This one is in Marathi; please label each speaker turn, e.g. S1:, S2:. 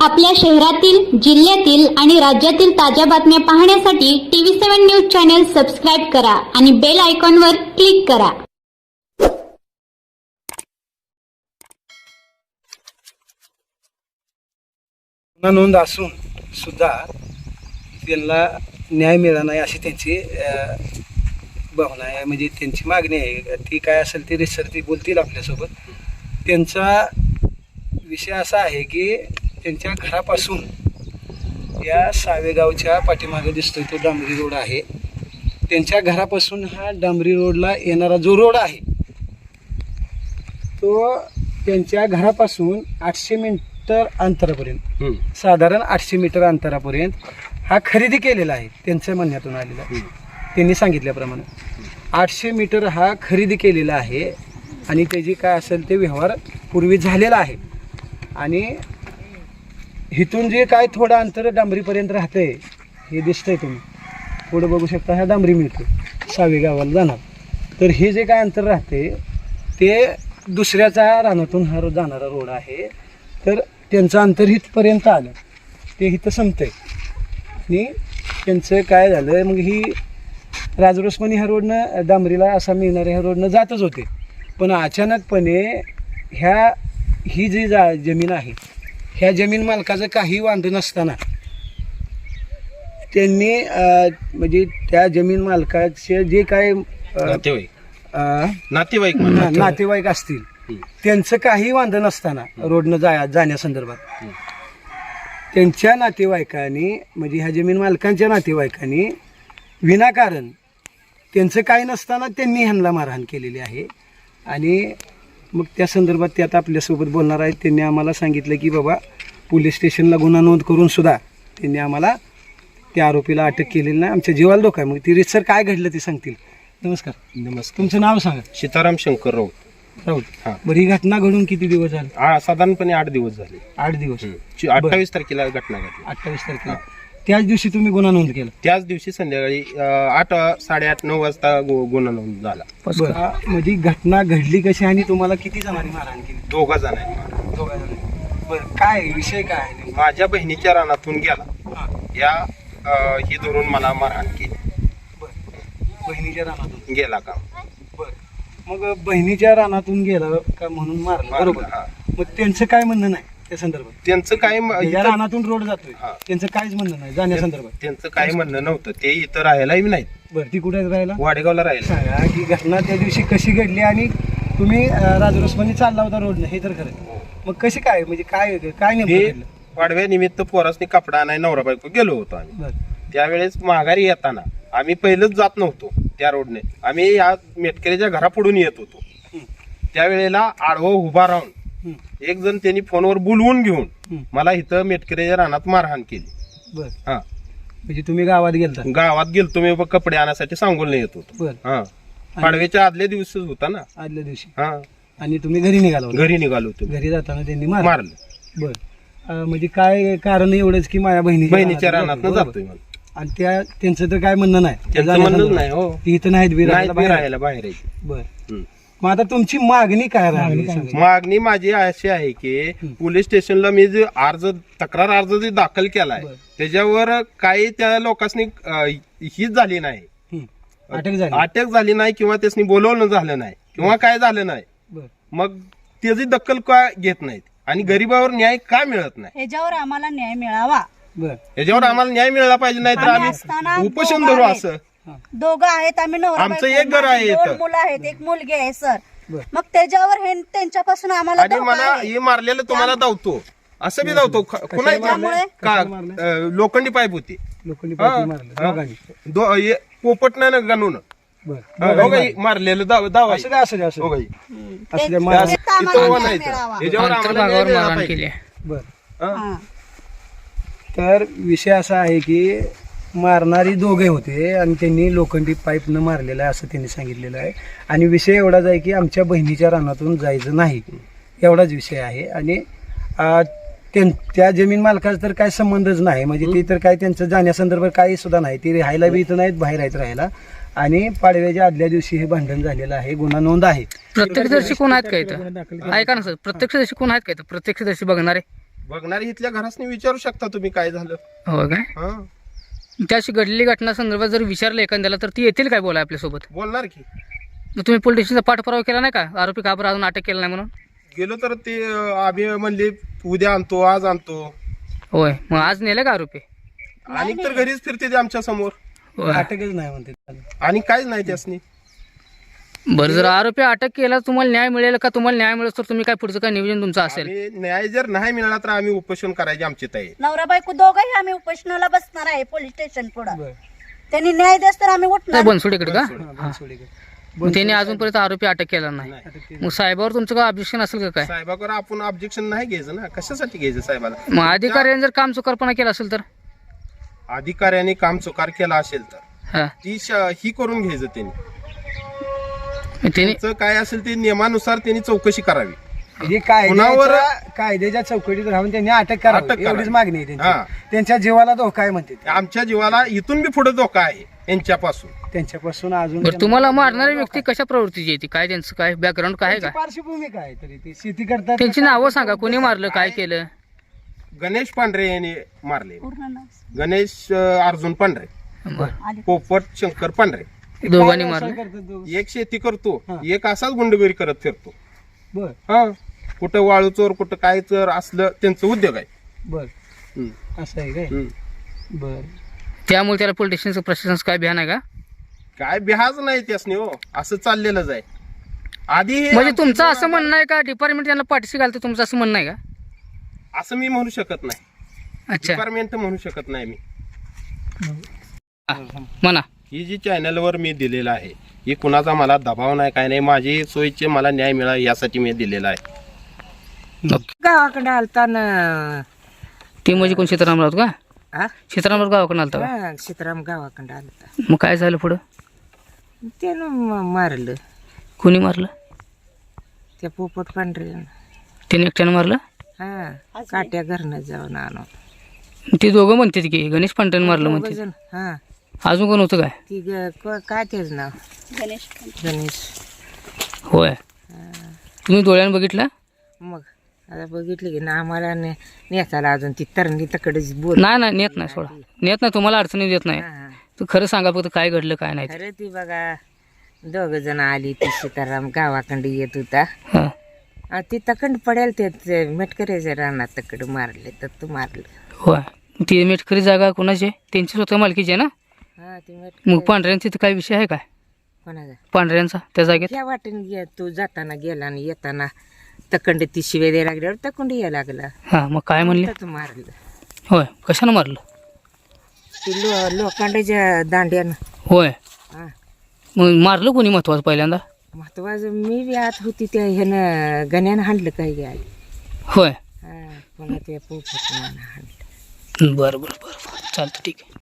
S1: आपल्या शहरातील, जिल्ह्यातील आणि राज्यातील ताज्या बातम्या पाहण्यासाठी TV7 न्यूज चॅनल सबस्क्राइब करा आणि बेल आयकॉनवर क्लिक करा.
S2: नोंद असून सुद्धा त्यांना न्याय मिळाला नाही अशी त्यांची भावना आहे, म्हणजे त्यांची मागणी आहे. ती काय असेल ती रिसर ती बोलतील आपल्यासोबत. त्यांचा विषय असा आहे की त्यांच्या घरापासून या सावेगावच्या पाठीमागे दिसतोय तो डांबरी रोड आहे. त्यांच्या घरापासून हा डांबरी रोडला येणारा जो रोड आहे तो त्यांच्या घरापासून 800 मीटर अंतरापर्यंत, साधारण 800 मीटर अंतरापर्यंत हा खरेदी केलेला आहे. त्यांच्या म्हणण्यातून आलेला आहे. त्यांनी सांगितल्याप्रमाणे 800 मीटर हा खरेदी केलेला आहे आणि त्याची काय असेल ते व्यवहार पूर्वी झालेला आहे. आणि इथून जे काय थोडं अंतर डांबरीपर्यंत राहतंय हे दिसतंय, तुम्ही पुढं बघू शकता. हा डांबरी मिळतो सावे गावाला जाणार. तर हे जे काय अंतर राहते ते दुसऱ्याच्या रानातून हा जाणारा रोड आहे. तर त्यांचं अंतर इथपर्यंत आलं ते इथं संपतंय. आणि त्यांचं काय झालं, मग ही राजरोसपणे ह्या रोडनं डांबरीला असा मिळणाऱ्या ह्या रोडनं जातच होते. पण अचानकपणे ही जी जमीन आहे ह्या जमीन मालकाचं काही वांध नसताना त्यांनी म्हणजे त्या जमीन मालकाचे जे काय नातेवाईक असतील त्यांचं काही वांध नसताना रोडनं जाण्यासंदर्भात त्यांच्या नातेवाईकांनी, म्हणजे ह्या जमीन मालकांच्या नातेवाईकांनी विनाकारण त्यांचं काही नसताना त्यांनी ह्यांना मारहाण केलेली आहे. आणि मग त्या संदर्भात ते आता आपल्यासोबत बोलणार आहेत. त्यांनी आम्हाला सांगितलं की बाबा पोलीस स्टेशनला गुन्हा नोंद करून सुद्धा त्यांनी आम्हाला त्या आरोपीला अटक केलेली नाही. आमच्या जीवाला धोका आहे. मग ती रितसर काय घडलं ते सांगतील. नमस्कार. तुमचं नाव सांगा.
S3: सीताराम शंकर राऊत.
S2: हां, बरं. ही घटना घडून किती दिवस झाले?
S3: साधारणपणे 8 दिवस झाले.
S2: 8 दिवस.
S3: 28 तारखेला घटना घडली.
S2: 28 तारखेला. त्याच दिवशी तुम्ही गुन्हा नोंद केला?
S3: त्याच दिवशी संध्याकाळी 8, 8:30, 9 वाजता गुन्हा नोंद झाला.
S2: म्हणजे घटना घडली कशी आणि तुम्हाला किती जणांनी मारहाण केली?
S3: 2 जणांनी.
S2: 2 जणांनी. बरं, काय विषय काय आहे?
S3: माझ्या बहिणीच्या रानातून गेला या ही धरून मला मारहाण केली.
S2: बहिणीच्या रानातून
S3: गेला का?
S2: बरं, मग बहिणीच्या रानातून गेला का म्हणून मारलं, बरोबर. मग त्यांचं काय म्हणणं नाही त्या संदर्भात?
S3: त्यांचं काय
S2: रानातून रोड जातोय त्यांचं काहीच म्हणणं नाही जाण्यासंदर्भात?
S3: त्यांचं काही म्हणणं नव्हतं. ते इथं राहायलाही नाहीत.
S2: बरं, ती कुठे राहायला?
S3: वाडेगावला राहिला.
S2: सांगा ही घटना त्या दिवशी कशी घडली आणि तुम्ही राजरोसपणे चालला होता रोडनं, हे तर खरं. मग कशी काय, म्हणजे काय नेमकं घडलं?
S3: वाडव्या निमित्त पोरासनी कपडा आणाय नवरा बायको गेलो होतो आम्ही.
S2: बरं.
S3: त्यावेळेस माघारी येताना आम्ही पहिलंच जात नव्हतो त्या रोडने. आम्ही या मेटकरीच्या घरापुढून येत होतो. त्यावेळेला आडवं उभा राहून एक जण त्यांनी फोनवर बोलवून घेऊन मला इथं मेटकरीच्या रानात मारहाण केली.
S2: बरं.
S3: हा,
S2: म्हणजे तुम्ही गावात गेलता?
S3: गावात गेलतो मी कपडे आणण्यासाठी, सांगोलने येत होतो.
S2: बरं.
S3: हा, पाडव्याच्या आदल्या दिवशीच होता ना.
S2: आदल्या दिवशी.
S3: हा,
S2: आणि तुम्ही घरी निघाला?
S3: घरी निघालो होतो.
S2: घरी जाताना त्यांनी
S3: मारलं.
S2: बरं, म्हणजे काय कारण एवढंच की माझ्या
S3: बहिणीच्या रानात जातोय म्हणून.
S2: आणि त्यांचं तर काय म्हणणं नाही?
S3: त्यांचं म्हणणंच नाही. हो,
S2: ती इथं नाहीत
S3: राहायला बाहेर आहे.
S2: बरं. मग आता तुमची मागणी काय राहिली?
S3: मागणी माझी अशी आहे की पोलीस स्टेशनला मी जे तक्रार अर्ज जे दाखल केलाय त्याच्यावर काही त्या लोकांनी हीच झाली नाही, अटक झाली नाही किंवा त्यासनी बोलवणं झालं नाही किंवा काय झालं नाही. मग त्याची दखल का घेत नाहीत आणि गरीबावर न्याय का मिळत नाही?
S4: याच्यावर आम्हाला न्याय मिळावा.
S3: याच्यावर आम्हाला न्याय मिळाला पाहिजे, नाही तर आम्ही उपोषण धरू. असं
S4: दोघं आहेत, आम्ही नवरा
S3: आमचं
S4: बायको,
S3: एक घर आहे
S4: माझी
S3: इथं.
S4: 2 मुलं आहेत, 1 मुलगी आहे सर. मग त्याच्यावर हे त्यांच्यापासून आम्हाला
S3: आणि
S4: धोका
S3: मला
S4: आहे.
S3: हे मारलेलं तुम्हाला धावतो, असं बी धावतो. का लोखंडी पाईप होती, पोपट नाही ना गणून मारलेलं दावा.
S2: तर विषय असा आहे की मारणारी दोघे होते आणि त्यांनी लोखंडी पाईपनं मारलेलं आहे असं त्यांनी सांगितलेलं आहे. आणि विषय एवढाच आहे की आमच्या बहिणीच्या रानातून जायचं नाही, एवढाच विषय आहे. आणि त्या जमीन मालकाचा तर काय संबंधच नाही, म्हणजे ते तर काय त्यांचं जाण्यासंदर्भात काही सुद्धा नाही. ते राहायला बी इथं नाहीत, बाहेर आहेत राहायला. आणि पाडव्याच्या आदल्या दिवशी हे भांडण झालेलं आहे, गुन्हा नोंद आहे.
S5: प्रत्यक्षदर्शी कोण आहेत का इथं? ऐका ना सर, प्रत्यक्षदर्शी कोण आहेत का इथं? प्रत्यक्षदर्शी बघणारे
S3: बघणारी इथल्या घरासनी विचारू शकता तुम्ही काय झालं.
S5: हो काय?
S3: हा
S5: त्याशी घडलेली घटना संदर्भात जर विचारलं एखाद्याला तर ती येतील काय बोला आपल्यासोबत?
S3: बोलणार की.
S5: मग तुम्ही पोलीस स्टेशनचा पाठपुरावा केला नाही का? आरोपी का बरं अजून अटक केला नाही म्हणून?
S3: गेलो तर ते आम्ही म्हणले उद्या आणतो आज आणतो,
S5: होय. मग आज नेलं का आरोपी?
S3: आणि तर घरीच फिरते ते आमच्या समोर
S5: होय.
S2: अटकच नाही म्हणते.
S3: आणि काहीच नाही त्यासनी.
S5: बरं, जर आरोपी अटक केला तुम्हाला न्याय मिळेल का? तुम्हाला न्याय मिळेल तर तुम्ही काय पुढचं काय नियोजन तुमचं असेल?
S3: आम्ही न्याय जर नाही मिळाला तर आम्ही उपोषण करायची आमची तयारी.
S4: नवरा बायको दोघंही आम्ही उपोषणाला बसणार आहे पोलीस स्टेशन पुढे.
S2: बरं.
S4: त्यांनी न्याय देस तर आम्ही
S5: काय
S4: उठणार.
S5: बनसोडीकडे का?
S2: बनसोडीकडे.
S5: मग त्यांनी अजूनपर्यंत आरोपी अटक केला नाही.
S2: अटक केली.
S5: मग साहेबावर तुमचं काय ऑब्जेक्शन असेल का काय?
S3: साहेबाकडे आपण ऑब्जेक्शन नाही घ्यायचं ना. कशासाठी घ्यायचं साहेबाला?
S5: मग अधिकाऱ्याने जर काम चुकारपणा केला असेल तर?
S3: अधिकाऱ्याने काम चुकार केला असेल तर
S5: हा,
S3: ही करून घ्यायचं त्यांनी.
S5: त्यांनी
S3: त्यांचं काय असेल ते नियमानुसार त्यांनी चौकशी करावी.
S2: ही कायद्याच्या चौकटीत राहून त्यांनी अटक
S3: अटक
S2: करावी
S3: करावी.
S2: एवढीच मागणी आहे
S3: हा.
S2: त्यांची. त्यांच्या जीवाला धोका आहे म्हणते ते.
S3: आमच्या जीवाला इथून बी पुढे धोका आहे यांच्यापासून.
S2: त्यांच्यापासून अजून
S5: बरं, तुम्हाला मारणारी व्यक्ती कशा प्रवृत्तीची आहे ती? काय त्यांचं काय बॅकग्राऊंड काय आहे का?
S2: त्यांची पार्श्वभूमी काय तरी ते शेती करतात.
S5: त्यांची नावं सांगा, कोणी मारलं, काय केलं?
S3: गणेश पांढरे यांनी मारले.
S4: पूर्ण नाव.
S3: गणेश अर्जुन पांढरे,
S5: बरं,
S3: पोपट शंकर पांढरे.
S5: दोघांनी
S2: काय
S5: मारलं.
S2: व्यवसाय करतात दोघं?
S3: एक शेती करतो,
S2: हा.
S3: एक असाच गुंडगिरी करत फिरतो.
S2: बर
S3: हा, कुठं वाळू चोर कुठं काय चोर असलं त्यांचं उद्योग आहे.
S2: बर
S3: हम्म.
S2: असं आहे काय?
S3: हम्म.
S2: बर
S5: त्यामुळे त्याला पोलीस स्टेशनचं प्रशासनाचं काय भ्यान आहे का?
S3: काय बिहाज नाही त्यासनी हो, असं चाललेलंच आहे. आधी हे
S5: म्हणजे
S3: आमच्या
S5: तुमचं असं
S3: जीवनाला-
S5: म्हणणं आहे का डिपार्टमेंट त्यांना पाठीशी घालतं, तुमचं असं म्हणणं आहे का?
S3: असं मी म्हणू शकत नाही.
S5: अच्छा,
S3: डिपार्टमेंट म्हणू शकत नाही मी.
S5: म्हणा.
S3: ही जी चॅनलवर मी दिलेलं आहे ही कुणाचा मला दबाव नाही, काय नाही. माझी सोयीचे मला न्याय मिळावा यासाठी मी दिलेला आहे.
S6: गावाकडे आलता ना.
S5: ते म्हणजे कोण सीतारामराव का?
S6: आ?
S5: सीतारामराव गावाकडून आलता का?
S6: हा, सीताराम गावाकडे आलता.
S5: मग काय झालं पुढं?
S6: त्यानं मारलं
S5: कोणी मारलं?
S6: त्या पोपट पांढरे.
S5: त्याने एकट्यानं मारलं?
S6: हा, काट्या घरनं जाऊन आणून.
S5: ते दोघं म्हणतात की गणेश पांढऱ्यानं मारलं म्हणते.
S6: दोघंजण. हा,
S5: अजून कोण होतं काय?
S6: ती काय त्याच नाव?
S4: गणेश
S6: गणेश.
S5: होय. तुम्ही डोळ्यानं बघितलं?
S6: मग आता बघितलं की ना आम्हाला नेताला अजून ती तरणी तकडेच बोल.
S5: नाही नाही, नेत नाही, सोडा. नेत नाही, तुम्हाला अडचणी देत नाही.
S6: हा,
S5: तू खरं सांगा फक्त काय घडलं काय नाही ते.
S6: अरे ती बघा दोघ जण आली. ती सीताराम गावाकडे येत होता.
S5: हा,
S6: आ, ती तकंड पडेल ते मेटकऱ्याच्या रानात तकड मारले तर तू मारलं.
S5: होय. ती मेटकरी जागा कोणाची आहे? त्यांची स्वतः मालकीची आहे ना?
S6: हा, ती
S5: मग
S6: मेटकरी
S5: पांढऱ्यांची तिथं काय विषय आहे काय?
S6: कोणाचा?
S5: पांढऱ्यांचा त्या जागेत?
S6: त्या वाटेने तू जाताना गेला आणि येताना तकंड ती शिवे द्यायला लागल्यावर तकंड यायला लागला.
S5: हा, मग काय म्हणले?
S6: तू मारलं
S5: होय. कशानं मारलं?
S6: ती लोखंडाच्या दांड्यानं.
S5: होय.
S6: हा,
S5: मग मारलं कोणी महत्वाचं पहिल्यांदा?
S6: महत्वाचं मी बी आत होती त्या ह्यानं गण्यानं हाणलं काही गाडी.
S5: होय.
S6: हा, पुन्हा त्या पोपटनं हाणलं.
S5: बरं बरं बरं बरं, चालतं, ठीक आहे.